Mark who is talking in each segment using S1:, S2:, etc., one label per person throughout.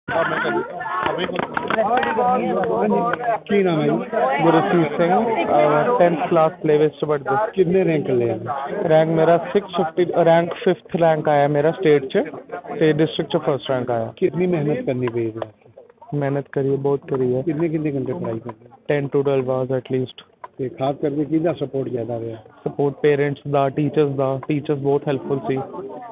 S1: ਕੀ ਨਾਮ ਹੈ ਜੀ?
S2: ਗੁਰਸੀਤ ਸਿੰਘ 10th क्लास प्लेवे से पढ़ते।
S1: ਕਿੰਨੇ ਰੈਂਕ ਲਿਆ?
S2: रैंक मेरा 650 रैंक 5th रैंक आया मेरा स्टेट च ते डिस्ट्रिक्ट च फर्स्ट रैंक आया।
S1: कितनी मेहनत करनी पई है?
S2: मेहनत करी है, बहुत करी है।
S1: कितने कितने घंटे पढ़ाई करते?
S2: 10 to 12 आवर्स एटलीस्ट।
S1: ਤੇ ਖਾਸ ਕਰਕੇ ਕਿਹਦਾ ਸਪੋਰਟ ਜ਼ਿਆਦਾ ਰਿਹਾ?
S2: सपोर्ट पेरेंट्स ਦਾ, टीचर्स ਬਹੁਤ ਹੈਲਪਫੁਲ ਸੀ।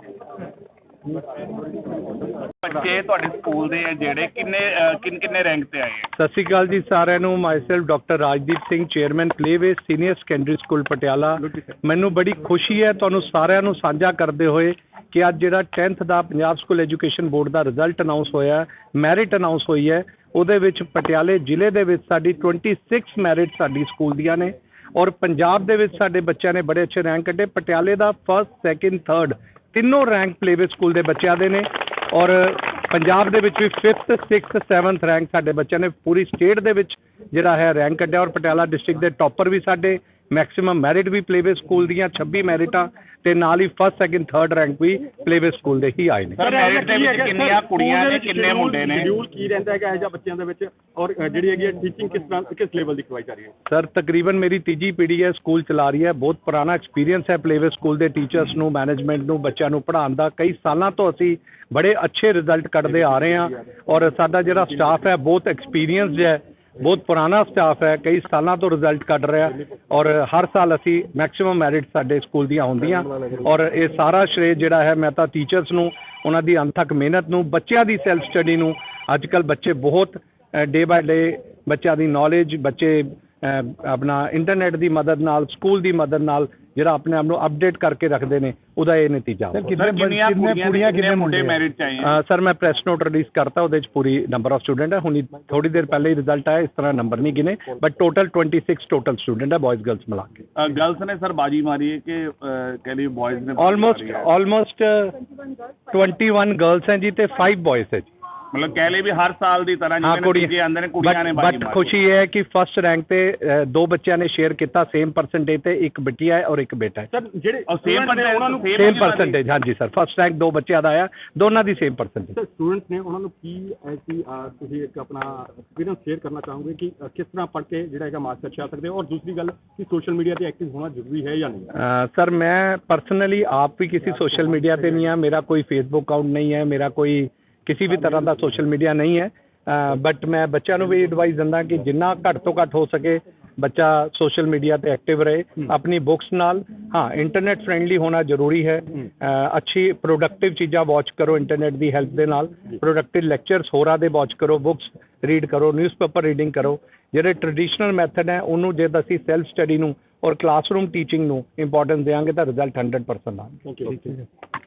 S3: ਬੱਚੇ ਤੁਹਾਡੇ ਸਕੂਲ ਦੇ ਜਿਹੜੇ ਕਿੰਨੇ ਰੈਂਕ ਤੇ ਆਏ ਆ?
S1: ਸਤਿ ਸ਼੍ਰੀ ਅਕਾਲ ਜੀ ਸਾਰਿਆਂ ਨੂੰ। Myself doctor Rajdeep Singh, chairman Playway senior secondary school Patiala. ਮੈਨੂੰ ਬੜੀ ਖੁਸ਼ੀ ਹੈ ਤੁਹਾਨੂੰ ਸਾਰਿਆਂ ਨੂੰ ਸਾਂਝਾ ਕਰਦੇ ਹੋਏ ਕਿ ਅੱਜ ਜਿਹੜਾ 10th ਦਾ ਪੰਜਾਬ ਸਕੂਲ ਐਜੂਕੇਸ਼ਨ ਬੋਰਡ ਦਾ ਰਿਜ਼ਲਟ ਅਨਾਉਂਸ ਹੋਇਆ, ਮੈਰਿਟ ਅਨਾਉਂਸ ਹੋਈ ਹੈ, ਉਹਦੇ ਵਿੱਚ ਪਟਿਆਲੇ ਜ਼ਿਲ੍ਹੇ ਦੇ ਵਿੱਚ ਸਾਡੀ 26 ਮੈਰਿਟ ਸਾਡੀ ਸਕੂਲ ਦੀਆਂ ਨੇ ਔਰ ਪੰਜਾਬ ਦੇ ਵਿੱਚ ਸਾਡੇ ਬੱਚਿਆਂ ਨੇ ਬੜੇ ਅੱਛੇ ਰੈਂਕ ਕੱਢੇ। ਪਟਿਆਲੇ ਦਾ 1st, 2nd, 3rd ਤਿੰਨੋਂ ਰੈਂਕ ਪਲੇਵੇ ਸਕੂਲ ਦੇ ਬੱਚਿਆਂ ਦੇ ਨੇ ਔਰ ਪੰਜਾਬ ਦੇ ਵਿੱਚ ਵੀ 5th, 6th, 7th ਰੈਂਕ ਸਾਡੇ ਬੱਚਿਆਂ ਨੇ ਪੂਰੀ ਸਟੇਟ ਦੇ ਵਿੱਚ ਜਿਹੜਾ ਹੈ ਰੈਂਕ ਕੱਢਿਆ ਔਰ ਪਟਿਆਲਾ ਡਿਸਟ੍ਰਿਕਟ ਦੇ ਟੌਪਰ ਵੀ ਸਾਡੇ। ਮੈਕਸਿਮਮ ਮੈਰਿਟ ਵੀ ਪਲੇਵੇ ਸਕੂਲ ਦੀਆਂ 26 ਮੈਰਿਟਾਂ ਤੇ ਨਾਲ ਹੀ 1st, 2nd, 3rd ਰੈਂਕ ਵੀ ਪਲੇਵੇ ਸਕੂਲ ਦੇ ਹੀ ਆਏ ਨੇ।
S3: ਸਰ ਮੈਰਿਟ ਦੇ ਵਿੱਚ ਕਿੰਨੀਆਂ ਕੁੜੀਆਂ ਨੇ ਕਿੰਨੇ ਮੁੰਡੇ ਨੇ?
S4: ਸ਼ਡਿਊਲ ਕੀ ਰਹਿੰਦਾ ਹੈਗਾ ਇਹ ਜਿਹਾ ਬੱਚਿਆਂ ਦੇ ਵਿੱਚ ਔਰ ਜਿਹੜੀ ਹੈਗੀ ਟੀਚਿੰਗ ਕਿਸ ਲੈਵਲ ਦੀ ਕਰਵਾਈ ਜਾ ਰਹੀ ਹੈ?
S1: ਸਰ ਤਕਰੀਬਨ ਮੇਰੀ ਤੀਜੀ ਪੀੜ੍ਹੀ ਹੈ ਸਕੂਲ ਚਲਾ ਰਹੀ ਹੈ। ਬਹੁਤ ਪੁਰਾਣਾ ਐਕਸਪੀਰੀਅੰਸ ਹੈ ਪਲੇਵੇ ਸਕੂਲ ਦੇ ਟੀਚਰਸ ਨੂੰ, ਮੈਨੇਜਮੈਂਟ ਨੂੰ, ਬੱਚਿਆਂ ਨੂੰ ਪੜ੍ਹਾਉਣ ਦਾ। ਕਈ ਸਾਲਾਂ ਤੋਂ ਅਸੀਂ ਬੜੇ ਅੱਛੇ ਰਿਜ਼ਲਟ ਕੱਢਦੇ ਆ ਰਹੇ ਹਾਂ ਔਰ ਸਾਡਾ ਜਿਹੜਾ ਸਟਾਫ ਹੈ ਬਹੁਤ ਐਕਸਪੀਰੀਅੰਸਡ ਹੈ, ਬਹੁਤ ਪੁਰਾਣਾ ਸਟਾਫ ਹੈ, ਕਈ ਸਾਲਾਂ ਤੋਂ ਰਿਜ਼ਲਟ ਕੱਢ ਰਿਹਾ ਔਰ ਹਰ ਸਾਲ ਅਸੀਂ ਮੈਕਸਿਮਮ ਮੈਰਿਟ ਸਾਡੇ ਸਕੂਲ ਦੀਆਂ ਹੁੰਦੀਆਂ ਔਰ ਇਹ ਸਾਰਾ ਸ਼੍ਰੇ ਜਿਹੜਾ ਹੈ ਮੈਂ ਤਾਂ ਟੀਚਰਸ ਨੂੰ, ਉਹਨਾਂ ਦੀ ਅਣਥੱਕ ਮਿਹਨਤ ਨੂੰ, ਬੱਚਿਆਂ ਦੀ ਸੈਲਫ ਸਟੱਡੀ ਨੂੰ। ਅੱਜ ਕੱਲ੍ਹ ਬੱਚੇ ਬਹੁਤ ਡੇ ਬਾਏ ਡੇ ਬੱਚਿਆਂ ਦੀ ਨੌਲੇਜ, ਬੱਚੇ ਆਪਣਾ ਇੰਟਰਨੈਟ ਦੀ ਮਦਦ ਨਾਲ, ਸਕੂਲ ਦੀ ਮਦਦ ਨਾਲ ਜਿਹੜਾ ਆਪਣੇ ਆਪ ਨੂੰ ਅਪਡੇਟ ਕਰਕੇ ਰੱਖਦੇ ਨੇ, ਉਹਦਾ ਇਹ ਨਤੀਜਾ।
S3: ਕਿੰਨੀਆਂ ਕੁੜੀਆਂ ਕਿੰਨੇ ਮੁੰਡੇ ਮੈਰਿਟ ਚ ਆਏ ਆ?
S1: ਸਰ ਮੈਂ ਪ੍ਰੈਸ ਨੋਟ ਰਿਲੀਜ਼ ਕਰਤਾ, ਉਹਦੇ ਚ ਪੂਰੀ ਨੰਬਰ ਆਫ ਸਟੂਡੈਂਟ ਹੈ। ਹੁਣੀ ਥੋੜੀ ਦੇਰ ਪਹਿਲੇ ਹੀ ਰਿਜ਼ਲਟ ਆਇਆ, ਇਸ ਤਰ੍ਹਾਂ ਨੰਬਰ ਨਹੀਂ ਗਿਨੇ, ਬਟ ਟੋਟਲ 26 ਟੋਟਲ ਸਟੂਡੈਂਟ ਹੈ ਬॉयਜ਼ ਗਰਲਸ ਮਿਲਾ ਕੇ।
S3: ਗਰਲਸ ਨੇ ਸਰ ਬਾਜੀ ਮਾਰੀ ਹੈ ਕਿ ਕਹਿ ਲਈ ਬॉयਜ਼ ਨੇ?
S1: ਆਲਮੋਸਟ 21 ਗਰਲਸ ਹੈ ਜੀ ਤੇ 5 ਬॉयਜ਼ ਹੈ ਜੀ।
S3: ਮਤਲਬ ਕਹਿ ਲਈ ਵੀ ਹਰ ਸਾਲ ਦੀ ਤਰ੍ਹਾਂ ਜਿਵੇਂ ਆਂਦੇ ਨੇ ਕੁੜੀਆਂ ਨੇ ਬਾਜੀ
S1: ਬਟ
S3: ਮਾਰੀ।
S1: ਖੁਸ਼ੀ ਇਹ ਹੈ ਕਿ ਫਸਟ ਰੈਂਕ ਤੇ ਦੋ ਬੱਚਿਆਂ ਨੇ ਸ਼ੇਅਰ ਕੀਤਾ ਸੇਮ ਪਰਸੈਂਟੇਜ ਤੇ, ਇੱਕ ਬਿਟੀਆ ਹੈ ਔਰ ਇੱਕ ਬੇਟਾ ਹੈ।
S4: ਸਰ ਜਿਹੜੇ
S3: ਸੇਮ ਉਹਨਾਂ ਨੂੰ
S1: ਸੇਮ ਪਰਸੈਂਟੇਜ, ਹਾਂਜੀ ਸਰ। ਫਸਟ ਰੈਂਕ ਦੋ ਬੱਚਿਆਂ ਦਾ ਆਇਆ, ਦੋਨਾਂ ਦੀ ਸੇਮ ਪਰਸੈਂਟੇਜ।
S4: ਸਰ ਸਟੂਡੈਂਟਸ ਨੇ ਉਹਨਾਂ ਨੂੰ ਕੀ ਐਸੀ ਤੁਸੀਂ ਇੱਕ ਆਪਣਾ ਐਕਸਪੀਰੀਅੰਸ ਸ਼ੇਅਰ ਕਰਨਾ ਚਾਹੋਗੇ ਕਿ ਕਿਸ ਤਰ੍ਹਾਂ ਪੜ੍ਹ ਕੇ ਜਿਹੜਾ ਹੈਗਾ ਮਾਰਕਸ ਅੱਛਾ ਆ ਸਕਦੇ ਔਰ ਦੂਸਰੀ ਗੱਲ ਕਿ ਸੋਸ਼ਲ ਮੀਡੀਆ ਤੇ ਐਕਟਿਵ ਹੋਣਾ ਜ਼ਰੂਰੀ ਹੈ ਜਾਂ ਨਹੀਂ?
S1: ਸਰ ਮੈਂ ਪਰਸਨਲੀ ਆਪ ਵੀ ਕਿਸੇ ਸੋਸ਼ਲ ਮੀਡੀਆ ਤੇ ਨਹੀਂ ਹਾਂ, ਮੇਰਾ ਕੋਈ ਫੇਸਬੁੱਕ ਅਕਾਊਂਟ ਨਹੀਂ ਹੈ, ਮੇਰਾ ਕੋਈ ਕਿਸੇ ਵੀ ਤਰ੍ਹਾਂ ਦਾ ਸੋਸ਼ਲ ਮੀਡੀਆ ਨਹੀਂ ਹੈ। ਬਟ ਮੈਂ ਬੱਚਿਆਂ ਨੂੰ ਵੀ ਐਡਵਾਈਸ ਦਿੰਦਾ ਕਿ ਜਿੰਨਾ ਘੱਟ ਤੋਂ ਘੱਟ ਹੋ ਸਕੇ ਬੱਚਾ ਸੋਸ਼ਲ ਮੀਡੀਆ ਤੇ ਐਕਟਿਵ ਰਹੇ ਆਪਣੀ ਬੁੱਕਸ ਨਾਲ। ਹਾਂ, ਇੰਟਰਨੈਟ ਫਰੈਂਡਲੀ ਹੋਣਾ ਜ਼ਰੂਰੀ ਹੈ। ਅੱਛੀ ਪ੍ਰੋਡਕਟਿਵ ਚੀਜ਼ਾਂ ਵਾਚ ਕਰੋ ਇੰਟਰਨੈਟ ਦੀ ਹੈਲਪ ਦੇ ਨਾਲ, ਪ੍ਰੋਡਕਟਿਵ ਲੈਕਚਰਸ ਹੋਰਾਂ ਦੇ ਵਾਚ ਕਰੋ, ਬੁੱਕਸ ਰੀਡ ਕਰੋ, ਨਿਊਜ਼ਪੇਪਰ ਰੀਡਿੰਗ ਕਰੋ। ਜਿਹੜੇ ਟ੍ਰੈਡੀਸ਼ਨਲ ਮੈਥਡ ਹੈ ਉਹਨੂੰ ਜੇ ਅਸੀਂ ਸੈਲਫ ਸਟੱਡੀ ਨੂੰ ਔਰ ਕਲਾਸਰੂਮ ਟੀਚਿੰਗ ਨੂੰ ਇੰਪੋਰਟੈਂਸ ਦੇਵਾਂਗੇ ਤਾਂ ਰਿਜ਼ਲਟ 100% ਆਉਣਗੇ।